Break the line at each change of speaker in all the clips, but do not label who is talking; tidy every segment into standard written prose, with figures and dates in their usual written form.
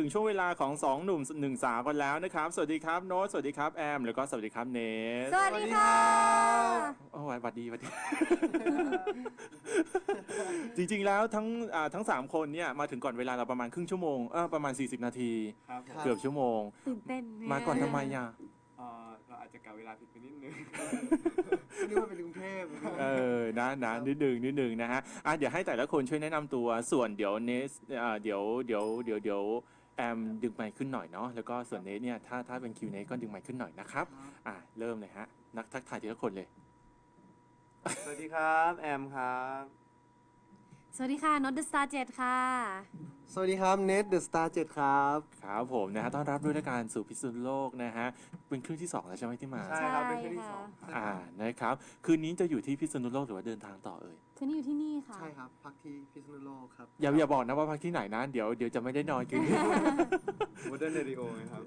ถึงช่วงเวลาของสองหนุ่มหนึ่งสาวกันแล้วนะครับสวัสดีครับโน้ตสวัสดีครับแอมแล้วก็สวัสดีครับเนส
สวัสดีค่ะ
โอ้ยสวัสดีสวัสดี จริงๆแล้วทั้ง3คนเนี่ยมาถึงก่อนเวลาเราประมาณครึ่งชั่วโมงประมาณ40นาที
ครับผม
เกือบชั่วโมง
ตื่นเต้น
มาก่อนทำไมอ่ะ
เราอาจจะกะเวลาผิดไปนิดนึง
นึกว่าเป็นกรุงเทพ
นะนิดนึงนะฮะเดี๋ยวให้แต่ละคนช่วยแนะนำตัวส่วนเดี๋ยวเนสเดี๋ยวแอมดึงไมค์ขึ้นหน่อยเนาะแล้วก็ส่วนเนสเนี่ยถ้าเป็นคิวเนสก็ดึงไมค์ขึ้นหน่อยนะครับเริ่มเลยฮะนักทักทายทีละคนเลย
สวัสดีครับแอมครับ
สวัสดีค่ะน็อตเดอะสตาร์7ค่ะ
สวัสดีครับเนทเดอะสตาร์7ครับ
ครับผมนะฮะต้อนรับด้วยการสู่พิษณุโลกนะฮะเป็นครึ่งที่2แล้วใช่ไหมที่มา
ใช่ครับเป็นครั้งที่2
นะครับคืนนี้จะอยู่ที่พิษณุโลกหรือว่าเดินทางต่อเอ่ย
คืนนี้อยู่ที่นี่ค่ะ
ใช่ครับพักที่พิษณุโลกครับ
อย่าบอกนะว่าพักที่ไหนนะเดี๋ยวจะไม่ได้นอนคืนนี้
โมเดิร์นเรดิโอครับ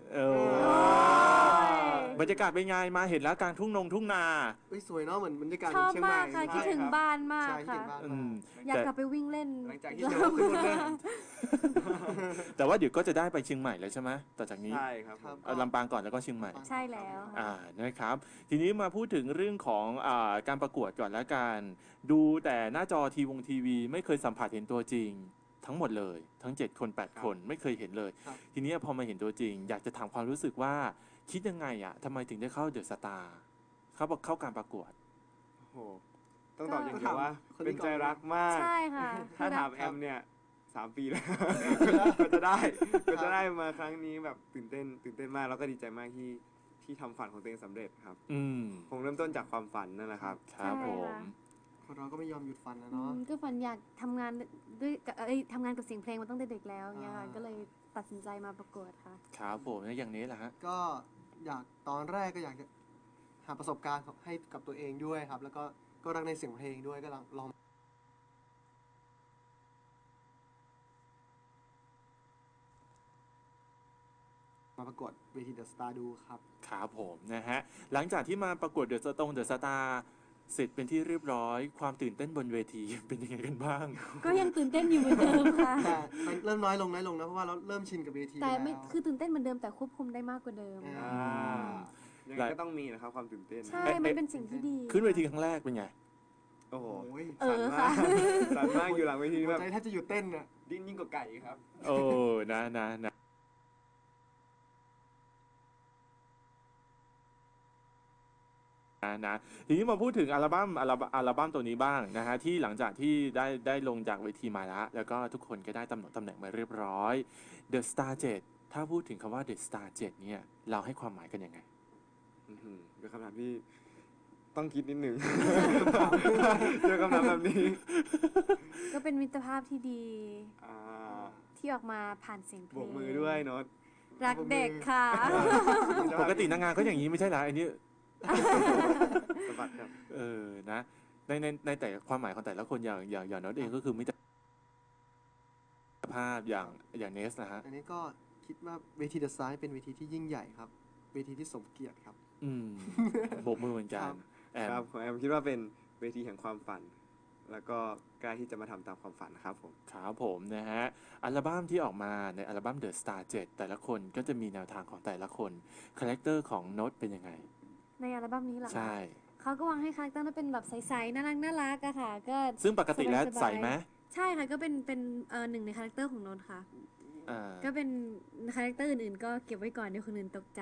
บรรยากาศเป็นไงมาเห็นแล้วกลางทุ่งนา
สวยเนาะเหมือนบรรยากาศ
ชอบ
เชียงใหม่
มากค่ะคิดถึงบ้านมากค่ะอยากกลับไปวิ่งเล่น
หลังจากที่เราขึ้นรถเล่น
แต่ว่าเดี๋ยวก็จะได้ไปเชียงใหม่แล้วใช่ไหมต่อจากนี้
ใช่ครับ
ลำปางก่อนแล้วก็เชียงใหม่
ใช่แล้ว
นะครับทีนี้มาพูดถึงเรื่องของการประกวดก่อนแล้วกันดูแต่หน้าจอทีวีไม่เคยสัมผัสเห็นตัวจริงทั้งหมดเลยทั้ง7คน8คนไม่เคยเห็นเลยทีนี้พอมาเห็นตัวจริงอยากจะถามความรู้สึกว่าคิดยังไงทำไมถึงได้เข้าเดอะสตาร์เข้าการประกวด
โอ้โหต้องตอบอย่างเดียวว่าเป็นใจรักมาก
ใช่ค่ะ
ถ้าถามแอมเนี่ย3 ปีแล้วก็จะได้มาครั้งนี้แบบตื่นเต้นมากแล้วก็ดีใจมากที่ทำฝันของตัวเองสำเร็จครับคงเริ่มต้นจากความฝันนั่นแหละครับ
ครับผม
คนเราก็ไม่ยอมหยุดฝันนะเนาะ
ก็ฝันอยากทำงานด้วยทำงานกับเสียงเพลงมาตั้งแต่เด็กแล้วเนี่ยค่ะก็เลยตัดสินใจมาประกวดค่ะ
ครับผมแล้วอย่างนี้แหละฮะ
ก็ตอนแรกก็อยากจะหาประสบการณ์ให้กับตัวเองด้วยครับแล้วก็รักในเสียงเพลงด้วยก็ลองมาประกวดเวทีเดอะสตาร์ดูครับ
ครับผมนะฮะหลังจากที่มาประกวดเดอะสตาร์เสร็จเป็นที่เรียบร้อยความตื่นเต้นบนเวทีเป็นยังไงกันบ้าง
ก็ยังตื่นเต้นอยู่เหมือนเดิมค่ะ
แต่เริ่มน้อยลงนะเพราะว่าเราเริ่มชินกับเวที
แต่ไม่คือตื่นเต้นเหมือนเดิมแต่ควบคุมได้มากกว่าเดิม
ยังไงก็ต้องมีนะครับความตื่นเต้น
ใช่มันเป็นสิ่งที่ดี
ขึ้นเวทีครั้งแรกเป็นไง
โอ้โห
สั่น
มากอยู่หลังเวทีแบบ
ใจแทบจะหยุดเต้นน่ะ
ดิ้นยิ่งกว่าไก่ครับ
โอ้นะทีนี้มาพูดถึงอัลบั้มตัวนี้บ้างนะฮะที่หลังจากที่ได้ลงจากเวทีมาแล้วก็ทุกคนก็ได้ตำแหน่งมาเรียบร้อย The Star 7ถ้าพูดถึงคำว่า The Star 7เนี่ยเราให้ความหมายกันยังไง
เป็นคำถามที่ต้องคิดนิดหนึ่งเจอคำถามแบบนี้
ก็เป็นมิตรภาพที่ดีที่ออกมาผ่านเสียงเพลง
โบกมือด้วยโน้ต
รักเด็กค่ะ
ปกตินางงานก็อย่างนี้ไม่ใช่เหรออันนี้
สบัดครับ
นะในแต่ความหมายของแต่ละคนอย่างโน้ตเองก็คือมิตรภาพอย่างเนสนะฮะ
อันนี้ก็คิดว่าเวทีเดอะสตาร์เป็นเวทีที่ยิ่งใหญ่ครับเวทีที่สมเกียรติครับ
โบกมือเหมือนกัน
ครับของแอมคิดว่าเป็นเวทีแห่งความฝันแล้วก็กล้าที่จะมาทำตามความฝันนะครับผม
ครับผมนะฮะอัลบั้มที่ออกมาในอัลบั้ม The Star 7แต่ละคนก็จะมีแนวทางของแต่ละคนคาแรคเตอร์ของโน้ตเป็นยังไง
ในอัลบั้มนี้เหรอ
ใช่
เขาก็วางให้คาแรคเตอร์เป็นแบบใสๆน่ารักอะค่ะก็
ซึ่งปกติแล้วใสไหม
ใช่ค่ะก็เป็นหนึ่งในคาแรคเตอร์ของโน้ตค่ะก็เป็นคาแรคเตอร์อื่นๆก็เก็บไว้ก่อนเดี๋ยวคนอื่นตกใจ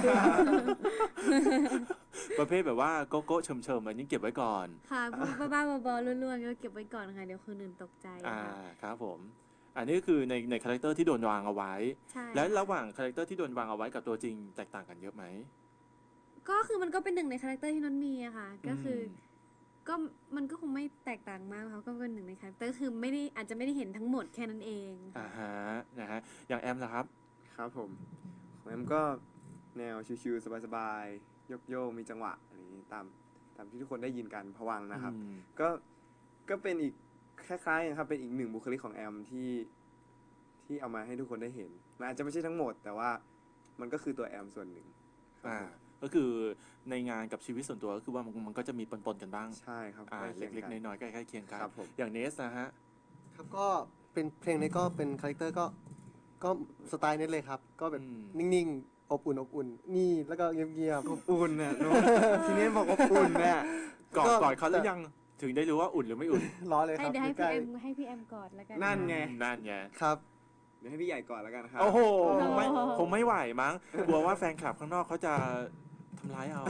ประเภทแบบว่าโก๊ะเฉิมๆอันนี้เก็บไว้ก่อน
ค่ะพวกบ้าๆบอๆล้วนๆก็เก็บไว้ก่อนค่ะเดี๋ยวคนอื่นตกใจ
ครับผมอันนี้คือในคาแรคเตอร์ที่โดนวางเอาไว้และระหว่างคาแรคเตอร์ที่โดนวางเอาไว้กับตัวจริงแตกต่างกันเยอะไหม
ก็คือมันก็เป็นหนึ่งในคาแรคเตอร์ที่นนท์มีอะค่ะก็คือก็มันก็คงไม่แตกต่างมากเขาก็เป็นหนึ่งในคาแรคเตอร์คือไม่ได้อาจจะไม่ได้เห็นทั้งหมดแค่นั้นเอง
นะฮะอย่างแอมล่ะครับ
ครับผมของแอมก็แนวชิวๆสบายๆโยกมีจังหวะอะไรนี้ตามที่ทุกคนได้ยินกันผวังนะครับก็เป็นอีกคล้ายๆครับเป็นอีกหนึ่งบุคลิกของแอมที่เอามาให้ทุกคนได้เห็นมันอาจจะไม่ใช่ทั้งหมดแต่ว่ามันก็คือตัวแอมส่วนหนึ่ง
ก็คือในงานกับชีวิตส่วนตัวก็คือว่ามันก็จะมีปนๆกันบ้าง
ใช่ครับ
เล็กๆน้อยๆใกล้ๆเคียงกันอย่างเนสนะฮะ
ครับก็เป็นเพลงนี้ก็เป็นคาแรคเตอร์ก็ก็สไตล์นี้เลยครับ ก็แบบ
อืม
นิ่งๆ อบอุ่น นี่แล้วก็เงียบ
อบอุ่นน่ะ นุ๊กทีนี้บอกอบอุ่นเนี่ย
กอด
ก็
กอดเขาหรือยังถึงได้รู้ว่าอุ่นหรือไม่อุ่น
ๆ ร้อนเลยค
ให้
รับ
เดี๋ยวให้
ใก
พี่
ล้
แอมให้พี่แอมกอดแล้วกัน
นั่นไง
นั่นไง
ๆครับ
เดี๋ยวให้พี่ใหญ่ก่อนแล้วกันครับ
โอ้โห
โอ้
คงไม่ไหวมั้งกลัวว่าแฟนคลับข้างนอกเขาจะทำร้ายเอา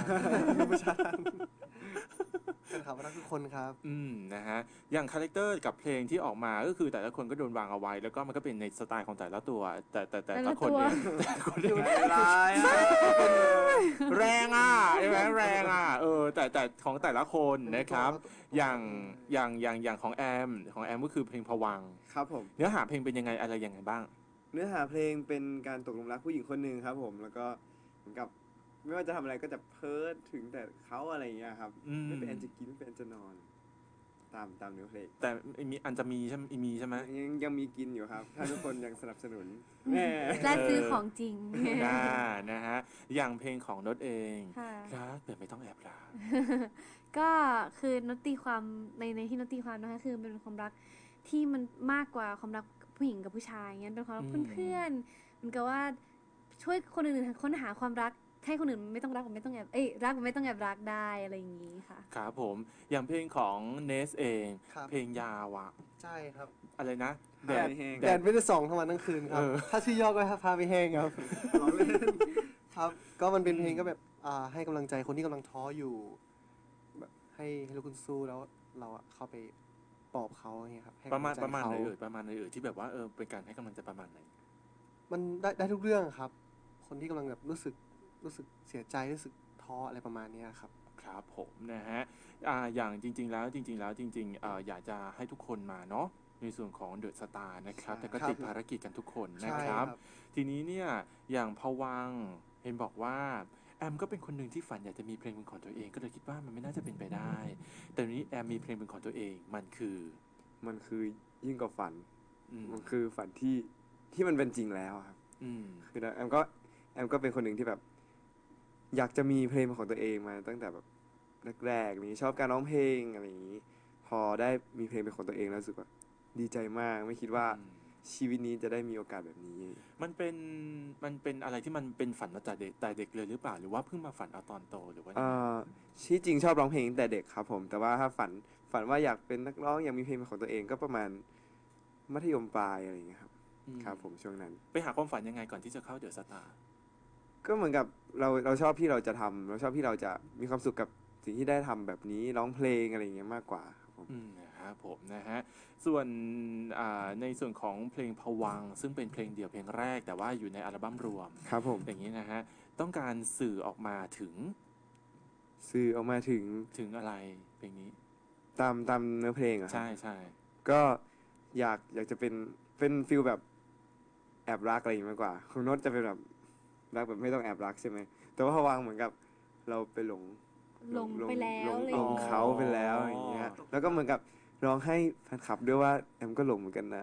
เป็นครับรักทุกคนครับ
นะฮะอย่างคาแรคเตอร์กับเพลงที่ออกมาก็คือแต่ละคนก็โดนวางเอาไว้ แล้วก็มันก็เป็นในสไตล์ของแต่ละตัว แต่ละคนเองแต่ละคนเอง
ร้ายอ่ะ
แรงอ่ะใช่ไหมแรงอ่ะแต่ของแต่ละคนนะครับ อย่างของแอมก็คือเพลงพวังค์
ครับผม
เนื้อหาเพลงเป็นยังไงอะไรยังไงบ้าง
เนื้อหาเพลงเป็นการตกหลุมรักผู้หญิงคนหนึ่งครับผม แล้วก็เหมือนกับไม่ว่าจะทำอะไรก็จะเพ้อถึงแต่เขาอะไรอย่างเงี้ยครับ
อืม
ไม่เป็นอันจะกินไม่เป็นอันจะนอน ตามเนื้อเพลง
แต่มีอันจะมีใช่ไหมมีใช่ไหม
ยังมีกินอยู่ครับ ถ้าทุกคนยังสนับสนุนแม่
และซื้อของจริง
นะฮะอย่างเพลงของโนตเอง
ค่ะ
รักแต่ไม่ต้องแอบรัก
ก็คือนตีความในที่นตีความนะคะคือเป็นความรักที่มันมากกว่าความรักผู้หญิงกับผู้ชายเงี้ยเป็นความรัก
อืม
เพื่อนๆเหมันก็ว่าช่วยคนอื่นๆค้นหาความรักให้คนอื่นไม่ต้องรักไม่ต้องแอบรักไม่ต้องแอบรักได้อะไรอย่างนี้ค่ะ
ครับผมอย่างเพลงของเนสเอง
ครับ
เพลงยาวอะ
ใช่ครับ
อะไรนะ
แดดแห้ง
แดดไม่ได้ส่องทั้งวันทั้งคืนครับ ถ้าชื่อย่อก็พาไปแห้งครับ
ร้องเล่น
ครับ ก็มันเป็นเพลงก็แบบให้กำลังใจคนที่กำลังท้ออยู่แบบให้ลูกคุณสู้แล้วเราอะเข้าไปปลอบเขาอย่างเงี้ยครับให้
ประมาณ
กำลังใจ
ไหน
เขา
ประมาณไหนที่แบบว่าเป็นการให้กำลังใจประมาณไหน
มันได้ทุกเรื่องครับ คนที่กำลังแบบรู้สึกเสียใจรู้สึกท้ออะไรประมาณเนี้ยครับ
ครับผมนะฮะอย่างจริง ๆ แล้วอยากจะให้ทุกคนมาเนาะในส่วนของเดอะสตาร์นะครับ
ใช่
แต่ก็
ครับ
ติดภารกิจกันทุกคนนะ
ใช่
ครับ ทีนี้เนี่ยอย่างพวังค์เห็นบอกว่าแอมก็เป็นคนหนึ่งที่ฝันอยากจะมีเพลงเป็นของตัวเอง ก็เลยคิดว่ามันไม่น่าจะเป็นไปได้ แต่ทีนี้แอมมีเพลงเป็นของตัวเองมันคือ
มันคือยิ่งกว่าฝัน
อืม
มันคือฝันที่มันเป็นจริงแล้วครับ
อืม
คือแอมก็เป็นคนหนึ่งที่แบบ อยากจะมีเพลงเป็นของตัวเองมาตั้งแต่แบบแรกๆนี้ชอบการร้องเพลงอะไรอย่างนี้ พอได้มีเพลงเป็นของตัวเองแล้วรู้สึกว่าดีใจมากไม่คิดว่าชีวิตนี้จะได้มีโอกาสแบบนี้
มันเป็นอะไรที่มันเป็นฝันมาจากเด็กเลยหรือเปล่าหรือว่าเพิ่งมาฝันเอาตอนโตหรือว่ายังไง
ที่จริงชอบร้องเพลงตั้งแต่เด็กครับผม แต่ว่าถ้าฝันว่าอยากเป็นนักร้องอยากมีเพลงเป็นของตัวเองก็ประมาณมัธยมปลายอะไรอย่างเงี้ยครับ
อืม
ครับผมช่วงนั้น
ไปหาความฝันยังไงก่อนที่จะเข้าเดอะสตาร์
ก็เหมือนกับเราชอบที่เราจะทำเราชอบที่เราจะมีความสุขกับสิ่งที่ได้ทำแบบนี้ร้องเพลงอะไรอย่างเงี้ยมากกว่าครับผม
นะครับผมนะฮะส่วนในส่วนของเพลงพวังค์ซึ่งเป็นเพลงเดี่ยวเพลงแรกแต่ว่าอยู่ในอัลบั้มรวม
ครับผม
อย่างนี้นะฮะต้องการสื่อออกมาถึง
สื่อออกมาถึง
อะไรเพลงนี้
ตามเนื้อเพลงอะครับ
ใช่
ก็อยากจะเป็นฟิลแบบแอบรักอะไรอย่างงี้มากกว่าคุณโน้ตจะเป็นแบบรักแบบไม่ต้องแอบรักใช่ไหมแต่ว่าพวังค์เหมือนกับเราไปหลง
ไปแล้ว
หล
อะไร
ง
อย่างเงี้ย
เขาไปแล้วอย่างเงี้ยแล้วก็เหมือนกับร้องให้แฟนคลับด้วยว่าแอมก็หลงเหมือนกันนะ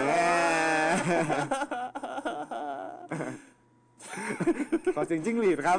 ขอเสียงจิ้งหรีดครับ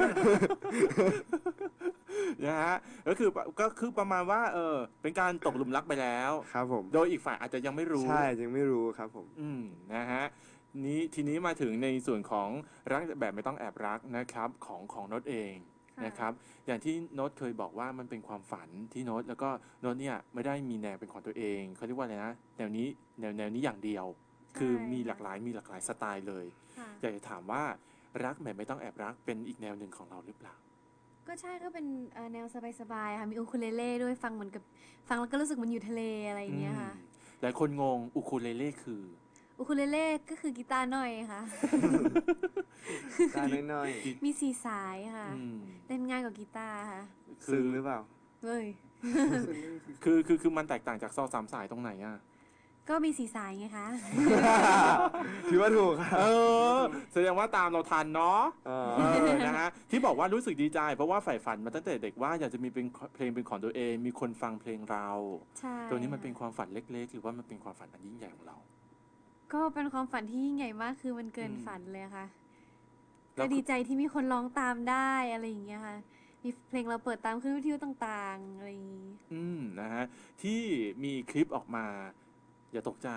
นะฮะก็คือประมาณว่าเป็นการตกหลุมรักไปแล้ว
ครับผม
โดยอีกฝ่ายอาจจะยังไม่รู้
ใช่ยังไม่รู้ครับผม
นะฮะทีนี้มาถึงในส่วนของรักแบบไม่ต้องแอบรักนะครับของโน้ตเอง
ค่ะ
นะครับอย่างที่โน้ตเคยบอกว่ามันเป็นความฝันที่โน้ตแล้วก็โน้ตเนี่ยไม่ได้มีแนวเป็นของตัวเองเขาเรียกว่าอะไรนะแนวนี้อย่างเดียว คือมีหลากหลายสไตล์เลย
ค่ะ
อยากจะถามว่ารักแบบไม่ต้องแอบรักเป็นอีกแนวหนึ่งของเราหรือเปล่า
ก็ใช่ก็เป็นแนวสบายๆค่ะมีอูคูเลเล่ด้วยฟังเหมือนกับฟังแล้วก็รู้สึกมันอยู่ทะเลอะไรอย่างเงี้ยค่ะ
หลายคนงงอูคูเลเล่คือ
อูคูเลเล่ก็คือกีตาร์น้อยค่ะ
ตาน้อย
มีสี่สายค่ะ
อืม
เล่นง่ายกว่ากีตาร์ค่ะ
ๆซึ้งหรือเปล่า
เว้ย
คือมันแตกต่างจากซอสามสายตรงไหนอ่ะ
ก็มีสี่สายไงคะ
ถือว่าถูกครับ
แสดงว่าตามเราทันเนาะ
เออ
นะฮะที่บอกว่ารู้สึกดีใจ เพราะว่าใฝ่ฝันมาตั้งแต่เด็กว่าอยากจะมีเพลงเป็นของตัวเอง มีคนฟังเพลงเรา
ใช่
ตัวนี้มันเป็นความฝันเล็กๆ หรือว่ามันเป็นความฝันอันยิ่งใหญ่ของเรา
ก็เป็นความฝันที่ยิ่งใหญ่มากคือมันเกินฝันเลยค่ะ
แล้
ก็
ว
ดีใจที่มีคนร้องตามได้อะไรอย่างเงี้ยค่ะ มีเพลงเราเปิดตามขึ้นวิทยุต่างๆอะไรอย่างงี้
นะฮะที่มีคลิปออกมา อย่าตกใจ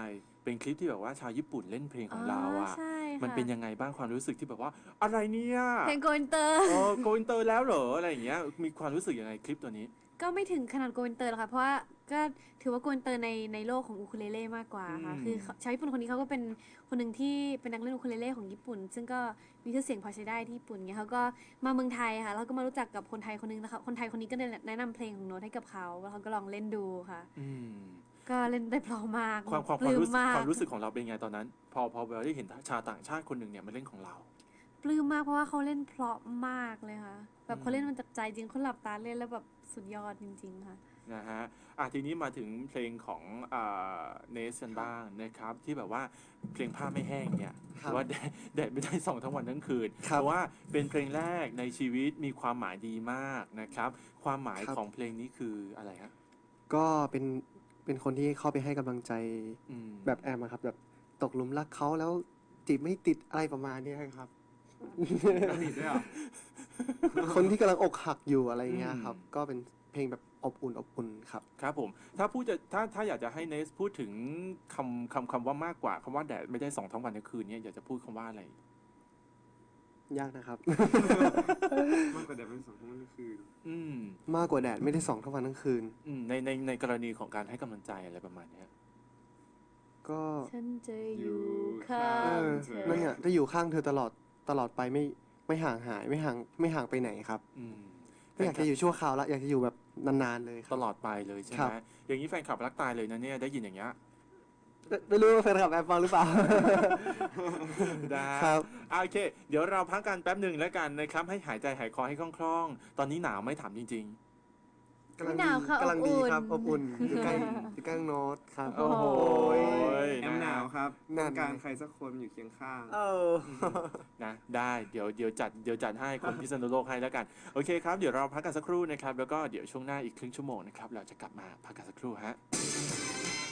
เป็นคลิปที่แบบว่าชาวญี่ปุ่นเล่นเพลงของเราอ่ะ
ใช่ค่ะ
มันเป็นยังไงบ้างความรู้สึกที่แบบว่าอะไรเนี่ย
เพลงโกอินเตอร์
โกอินเตอร์แล้วเหรออะไรอย่างเงี้ยมีความรู้สึกยังไงคลิปตัวนี้
ก็ไม่ถึงขนาดโกอินเตอร์หรอกค่ะเพราะว่าก็ถือว่าโกอินเตอร์ในโลกของอูคูเลเล่มากกว่าค่ะ
อืม
คือชาวญี่ปุ่นคนนี้เขาก็เป็นคนหนึ่งที่เป็นนักเล่นอูคูเลเล่ของญี่ปุ่น ซึ่งก็มีชื่อเสียงพอใช้ได้ที่ญี่ปุ่นเงี้ยเขาก็มาเมืองไทยค่ะแล้วก็มารู้จักกับคนไทยคนนึงนะคะคนไทยคนนี้ก็แนะนำเพลงของโน้ตให้กับเขาแล้วเขาก็ลองเล่นดูค่ะ
อืม
ก็เล่นได้เพราะมาก
ความ
ปลื้ม
รู้สึก
มาก
ความรู้สึกของเราเป็นไงตอนนั้น พอเราได้เห็นชาวต่างชาติคนหนึ่งเนี่ยมาเล่นของเรา
ปลื้มมากเพราะว่าเขาเล่นเพราะมากเลยค่ะแบบเขา
อืม
เล่นมันจากใจจริงเขาหลับตาเล่นแล้วแบบสุดยอดจริงๆค่ะ
นะฮะทีนี้มาถึงเพลงของเนสกันบ้างนะครับ ที่แบบว่าเพลงผ้าไม่แห้งเนี่ย
ครับ
ว่าแดดไม่ได้ส่องทั้งวันทั้งคืน
ครับ
เพราะว่าเป็นเพลงแรกในชีวิตมีความหมายดีมากนะครับ ความหมาย
ครับ
ของเพลงนี้คืออะไรฮะ
ก็เป็นคนที่เข้าไปให้กำลังใจ
อืม
แบบแอมอะครับแบบตกหลุมรักเขาแล้วจีบไม่ติดอะไรประมาณเนี้ยครับ
ติดด้วยเหรอ
คนที่กำลังอกหักอยู่อะไรเงี้ยครับ ก็เป็นเพลงแบบอบอุ่นครับ
ครับผมถ้าอยากจะให้เนสพูดถึงคำว่ามากกว่าคำว่าแดดไม่ได้ส่องทั้งวันทั้งคืนเนี่ยอยากจะพูดคำว่าอะไร
ยากนะครับ
มากกว่าแดดเป็นสองทั้งวันทั้งคืน
อืม
มากกว่าแดดไม่ได้ส่องทั้งวันทั้งคืน
ในกรณีของการให้กำลังใจอะไรประมาณเนี้ย
ก็
ฉันจะอยู่ข้า
เอง อ
เธอ
นั่นเนี่ยจะอยู่ข้างเธอตลอดไปไม่ห่างหายไม่ห่างไปไหนครับ
อืม
ไม่อยากจะอยู่ชั่วคราวละอยากจะอยู่แบบนานๆเลยค
ต
รับ
ลอดไปเลยใช่
ครั
ไหม
บ
อย่างนี้แฟนคลับรักตายเลยนะเนี่ยได้ยินอย่างเงี้ย
ไม่รู้ว่าแฟนคลับแอมฟังหรือเปล่า
ได้
ครับ
โอเค เดี๋ยวเราพักกันแป๊บหนึ่งแล้วกันนะครับ ให้หายใจหายคอให้คล่องๆ ตอนนี้หนาวไหม่ถามจริง
ไม่หนาวค่ะ
กำลังดีครับ
อ
อ
บบ อุ่
อุ่
น
นอยู่ใกล้โน้ตครับ
ๆ โอ้โห
แอมหนาวครับ
นั่
ต้อน งการใครสักคนอยู่เคียงข้าง
เออ
นะได้เดี๋ยวจัดให้คนพิษณุโลกให้แล้วกัน โอเคครับ เดี๋ยวเราพักกันสักครู่นะครับ แล้วก็เดี๋ยวช่วงหน้าอีกครึ่งชั่วโมงนะครับ เราจะกลับมาพักกันสักครู่ฮะ